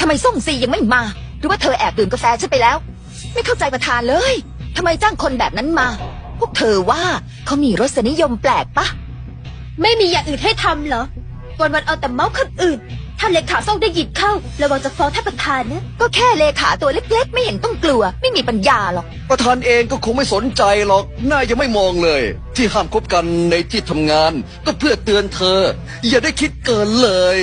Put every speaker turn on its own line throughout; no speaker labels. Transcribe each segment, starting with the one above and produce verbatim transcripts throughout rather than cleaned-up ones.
ำไมส่งซียังไม่มาหรือว่าเธอแอบดื่มกาแฟฉันไปแล้วไม่เข้าใจประธานเลยทำไมจ้างคนแบบนั้นมาพวกเธอว่าเขามีรสนิยมแปลกปะ
ไม่มีอย่างอื่นให้ทำเหรอวันวันเอาแต่เมาส์คนอื่นถ้าเลขาส่งได้ยินเข้าระวังจะฟ้องท่านประธานนะ
ก็แค่เลขาตัวเล็กๆไม่เห็นต้องกลัวไม่มีปัญญาหรอก
ประธานเองก็คงไม่สนใจหรอกหน้ายังไม่มองเลยที่ห้ามคบกันในที่ทำงานก็เพื่อเตือนเธออย่าได้คิดเกินเลย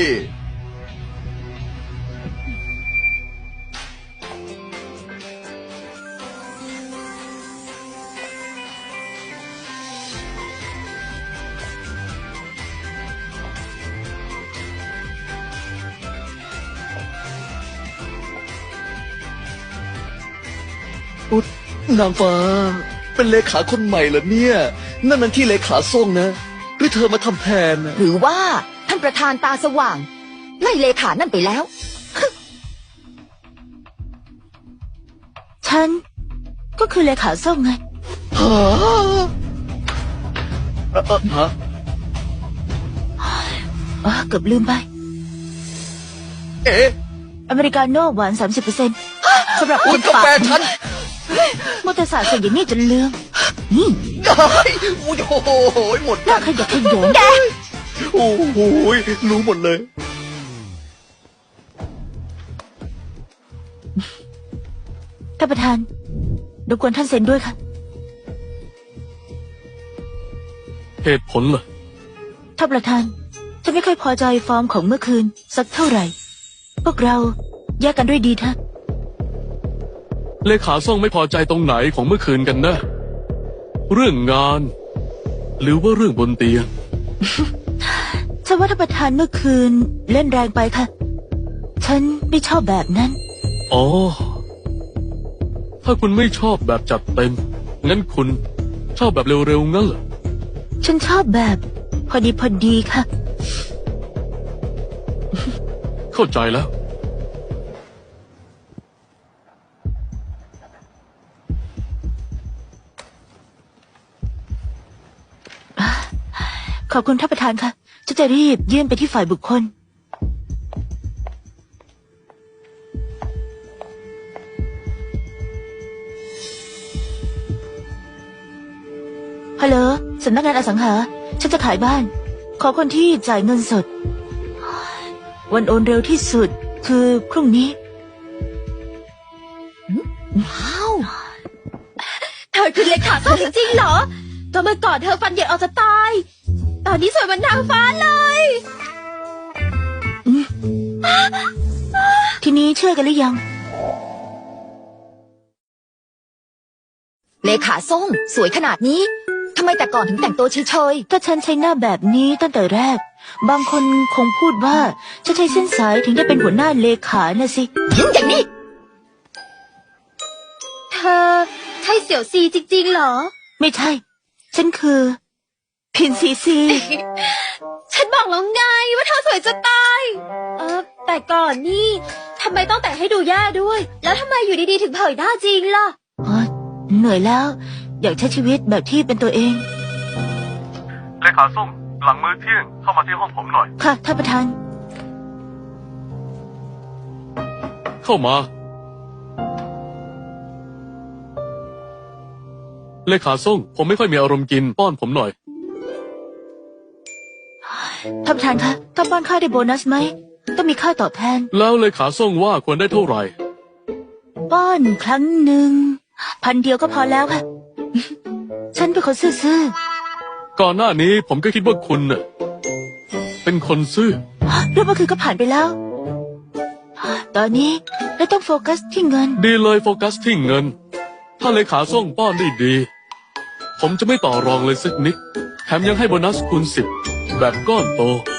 อุ๊ยนางฟ้าเป็นเลขาคนใหม่เหรอเนี่ยนั่นมันที่เลขาส่งนะหรือเธอมาทำแทนนะ
หรือว่าท่านประธานตาสว่างไล่เลขานั่นไปแล้ว
ฉันก็คือเลขาส่งไง
ฮะเอ่อฮะ
อ๋อเกือบลืมไป
เอ๊ะ
อเมริกาโน่หวาน สามสิบเปอร์เซ็นต์ สำหรับ
คุณกาแฟฉัน
มอเตอร์ไซค์ส่งอย่างนี้จนลืมนี่
ได้โอ้โหหมด
น่าขยักขยง
แก
โอ้โหรู้หมดเลย
ท่านประธานรบกวนท่านเซ็นด้วยค่ะ
เหตุผลเหรอ
ท่านประธานฉันไม่ค่อยพอใจฟอร์มของเมื่อคืนสักเท่าไหร่พวกเราแยกกันด้วยดีเถอะ
เลขาส่งไม่พอใจตรงไหนของเมื่อคืนกันนะเรื่องงานหรือว่าเรื่องบนเตียง
ฉันว่าท่านประธานเมื่อคืนเล่นแรงไปค่ะฉันไม่ชอบแบบนั้น
อ๋อถ้าคุณไม่ชอบแบบจัดเต็มงั้นคุณชอบแบบเร็วๆงั้นเหรอ
ฉันชอบแบบพอดีพอดีค่ะ
เข้าใจแล้ว
ขอบคุณท่านประธานค่ะฉันจะรีบยื่นไปที่ฝ่ายบุคคลฮัลโหลสำนักงานอสังหาฉันจะขายบ้านขอคนที่จ่ายเงินสดวันโอนเร็วที่สุดคือพรุ่งนี้
ว้าว
เธอคือเลขาส่งจริงๆเหรอก็เมื่อก่อนเธอฟันเหยินออกจะตายตอนนี้สวยเหมือนนางฟ้าเลยทีนี้เชื่อกันหรือยัง
เลขาส่งสวยขนาดนี้ทำไมแต่ก่อนถึงแต่งตัวเฉย
ๆถ้าฉันใช้หน้าแบบนี้ตั้งแต่แรกบางคนคงพูดว่าฉันใช้เส้นสายถึงได้เป็นหัวหน้าเลขาน่ะสิ
ยิ่งอย่างนี้
เธอใช่เสี่ยวซีจริงๆเหรอไม่ใช่ฉันคือพินซีซีฉันบอกแล้วไงว่าเธอสวยจะตายเออแต่ก่อนนี่ทำไมต้องแต่งให้ดูแย่ด้วยแล้วทำไมอยู่ดีๆถึงเผยหน้าจริงล่ะอ๋อเหนื่อยแล้วอยากใช้ชีวิตแบบที่เป็นตัวเอง
เลขาส่งหลังมื้อเที่ยงเข้ามาที่ห้องผมหน่อย
ค่ะท่านประธาน
เข้ามาเลขาส่งผมไม่ค่อยมีอารมณ์กินป้อนผมหน่อย
ท่านประธานคะต้องป้อนข้าวได้โบนัสไหมต้องมีค่าตอบแทน
แล้วเลขาส่งว่าควรได้เท่าไหร่
ป้อนครั้งหนึ่งพันเดียวก็พอแล้วค่ะฉันเป็นคนซื่อ
ๆก่อนหน้านี้ผมก็คิดว่าคุณน่ะเป็นคนซื่อ
เรื่องเมื่อคืนก็ผ่านไปแล้วตอนนี้เราต้องโฟกัสที่เงิน
ดีเลยโฟกัสที่เงินถ้าเลขาส่งป้อนได้ดีผมจะไม่ต่อรองเลยสักนิดแถมยังให้โบนัสคูณสิบแบบก้อนโต